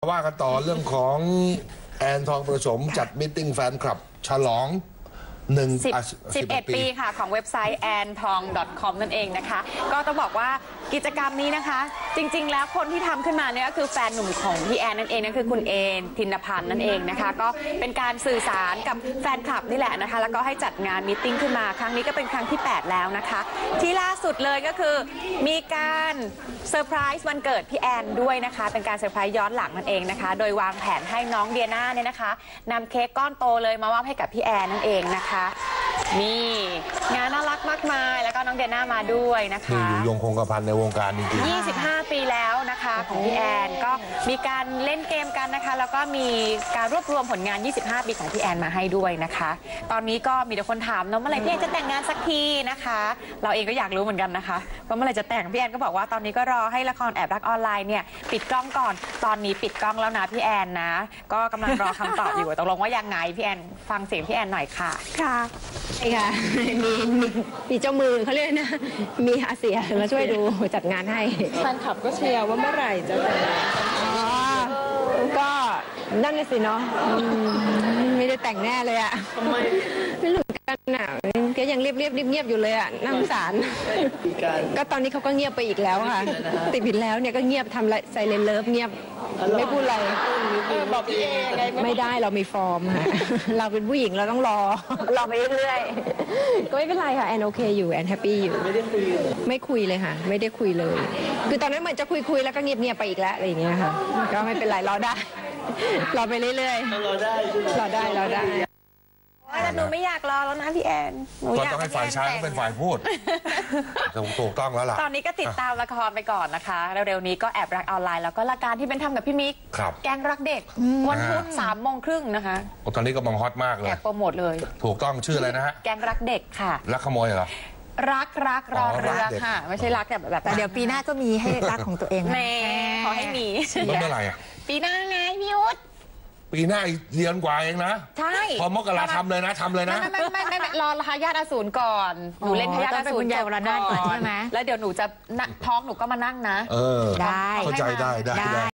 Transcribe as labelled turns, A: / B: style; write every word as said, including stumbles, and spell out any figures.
A: ว่ากันต่อเรื่องของแอนทองประสมจัดมิทติ้งแฟนคลับฉลองหนึ่ง
B: สิบเอ็ด ปีค่ะของเว็บไซต์ แอนทอง ดอท คอม นั่นเองนะคะก็ต้องบอกว่ากิจกรรมนี้นะคะจริงๆแล้วคนที่ทำขึ้นมาเนี่ยก็คือแฟนหนุ่มของพี่แอนนั่นเองนั่นคือคุณเอนธินพันธ์นั่นเองนะคะก็เป็นการสื่อสารกับแฟนคลับนี่แหละนะคะแล้วก็ให้จัดงานมีตติ้งขึ้นมาครั้งนี้ก็เป็นครั้งที่แปดแล้วนะคะที่ล่าสุดเลยก็คือมีการเซอร์ไพรส์วันเกิดพี่แอนด้วยนะคะเป็นการเซอร์ไพรส์ย้อนหลังนั่นเองนะคะโดยวางแผนให้น้องเดียน่าเนี่ยนะคะนำเค้กก้อนโตเลยมามอบให้กับพี่แอนนั่นเองนะคะนี่งานน่ารักมากมายแล้วก็น้องเดียน่ามาด้วยนะคะ
A: ที่อยู่ยงคงกระพันในวงการจริงๆ
B: ยี่สิบห้า ปีแล้วนะคะของพี่แอนก็มีการเล่นเกมกันนะคะแล้วก็มีการรวบรวมผลงานยี่สิบห้า ปีของพี่แอนมาให้ด้วยนะคะตอนนี้ก็มีแต่คนถามเนาะเมื่อไหร่พี่แอนจะแต่งงานสักทีนะคะเราเองก็อยากรู้เหมือนกันนะคะว่าเมื่อไหร่จะแต่งพี่แอนก็บอกว่าตอนนี้ก็รอให้ละครแอบรักออนไลน์เนี่ยปิดกล้องก่อนตอนนี้ปิดกล้องแล้วนะพี่แอนนะก็กำลังรอคำตอบอยู่ตกลงว่ายังไงพี่แอนฟังเสียงพี่แอนหน่อยค่ะ
C: ค่ะใช่ค่ะมีมีมีเจ้ามือเขาเรียกนะมีอาเซียมาช่วยดูจัดงานให้
D: แฟนคลับก็เชียร์ว่าเมื่อไหร่จะแต่งงาน
C: อ๋อก็นั่นเลยสิเนาะไม่ได้แต่งแน่เลยอะ
D: ทำไม
C: ไม่รู้กันอ่ะก็ยังเรียบเรียบเงียบอยู่เลยอะน่าสงสารก็ตอนนี้เขาก็เงียบไปอีกแล้วค่ะติดผิดแล้วเนี่ยก็เงียบทำไรไซเลนเลิฟเงียบไม่พูดอะไร
D: บอกพี่เอไง
C: ไม่ได้เรามีฟอร์มค่ะเราเป็นผู้หญิงเราต้องรอรอไปเรื่อยๆก็ไม่เป็นไรค่ะแอนโอเคอยู่แอนแฮปปี้อยู่
D: ไม่ได้คุย
C: ไม่คุยเลยค่ะไม่ได้คุยเลยคือตอนนั้นเหมือนจะคุยคุยแล้วก็เงียบเงียบไปอีกแล้วอะไรอย่างเงี้ยค่ะก็ไม่เป็นไรรอได้รอไปเรื่อย
D: ๆรอได้
C: รอได้รอได้
B: แต่หนูไม่อยากรอแล้วนะพี่แอนหนู
A: อยากต้องให้ฝ่ายชายเขาเป็นฝ่ายพูดถูกต้องแล้วล่ะ
B: ตอนนี้ก็ติดตามละครไปก่อนนะคะเร็วๆนี้ก็แอบรักออนไลน์แล้วก็รายการที่เป็นทำกับพี่มิกแกงรักเด็กวันพุธสามโมงครึ่งนะคะ
A: ตอนนี้กำลังฮอตมากเลย
B: แอบโปรโมทเลย
A: ถูกต้องชื่ออะไรนะฮะ
B: แกงรักเด็กค่ะ
A: รักขโมยเหรอ
B: รักรักรอเรือค่ะไม่ใช่รักแบบแบบ
C: แต่เดี๋ยวปีหน้าก็มีให้รักของตัวเอง
B: แม่ขอให้มี
A: เมื่อไหร่อ่ะ
B: ปีหน้าไงพี่ยุทธ
A: ปีหน้าเดือนกว่าเองนะ
B: ใช่
A: พอมกราทำเลยนะทำเลยนะ
B: ไม่ไม่ไม่ไม่รอทายาทอสูรก่อนหนูเล่นทายาทอสูร
C: จบก่อนใช่ไหม
B: แล้วเดี๋ยวหนูจะท้องหนูก็มานั่งนะ
A: เออได้เข้าใจได้ได้